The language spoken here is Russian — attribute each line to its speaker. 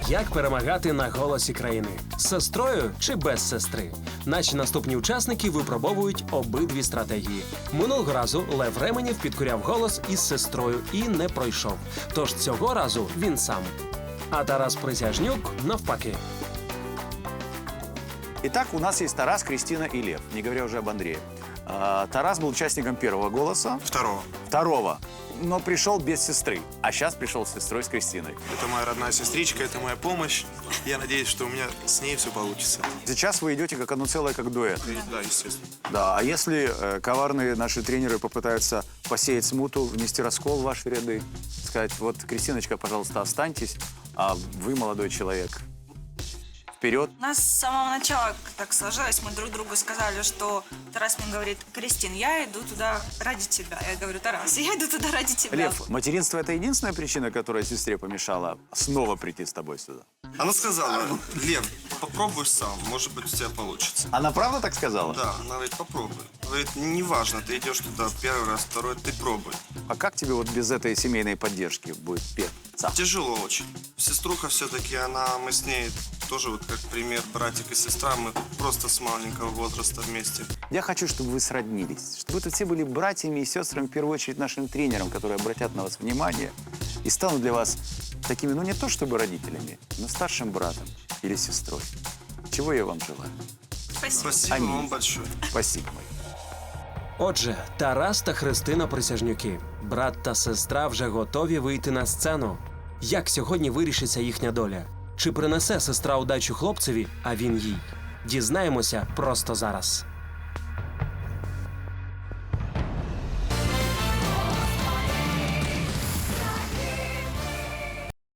Speaker 1: Як перемагати на голосі країни? З сестрою чи без сестри? Наші наступні учасники випробовують обидві стратегії. Минулого разу Лев Ременєв підкоряв голос із сестрою і не пройшов. Тож цього разу він сам. А Тарас Присяжнюк навпаки.
Speaker 2: Итак, у нас есть Тарас, Кристина и Лев, не говоря уже об Андрее. Тарас был участником первого голоса. Второго. Но пришел без сестры. А сейчас пришел с сестрой, с Кристиной.
Speaker 3: Это моя родная сестричка, это моя помощь. Я надеюсь, что у меня с ней все получится.
Speaker 2: Сейчас вы идете как одно целое, как дуэт.
Speaker 3: Да, естественно.
Speaker 2: Да, а если коварные наши тренеры попытаются посеять смуту, внести раскол в ваши ряды, сказать, вот, Кристиночка, пожалуйста, останьтесь, а вы, молодой человек, вперед.
Speaker 4: У нас с самого начала так сложилось, мы друг другу сказали, что Тарас мне говорит: Кристин, я иду туда ради тебя. Я говорю: Тарас, я иду туда ради тебя.
Speaker 2: Лев, материнство – это единственная причина, которая сестре помешала снова прийти с тобой сюда?
Speaker 3: Она сказала: Лев, попробуй сам, может быть, у тебя получится.
Speaker 2: Она правда так сказала?
Speaker 3: Да, она говорит: попробуй. Говорит, неважно, ты идешь туда первый раз, второй, ты пробуй.
Speaker 2: А как тебе вот без этой семейной поддержки будет петься?
Speaker 3: Тяжело очень. Сеструха все-таки, мы с ней тоже вот как пример, братик и сестра, мы просто с маленького возраста вместе.
Speaker 2: Я хочу, чтобы вы сроднились, чтобы вы тут все были братьями и сестрами, в первую очередь нашим тренерам, которые обратят на вас внимание и станут для вас такими, ну не то чтобы родителями, но старшим братом или сестрой. Чего я вам желаю.
Speaker 4: Спасибо.
Speaker 3: Спасибо
Speaker 2: Аминь.
Speaker 3: вам большое.
Speaker 2: Спасибо.
Speaker 1: Отже, Тарас та Христина Присяжнюки. Брат та сестра вже готові вийти на сцену. Як сьогодні вирішиться їхня доля? Чи принесе сестра удачу хлопцеві, а він їй? Дізнаємося просто зараз.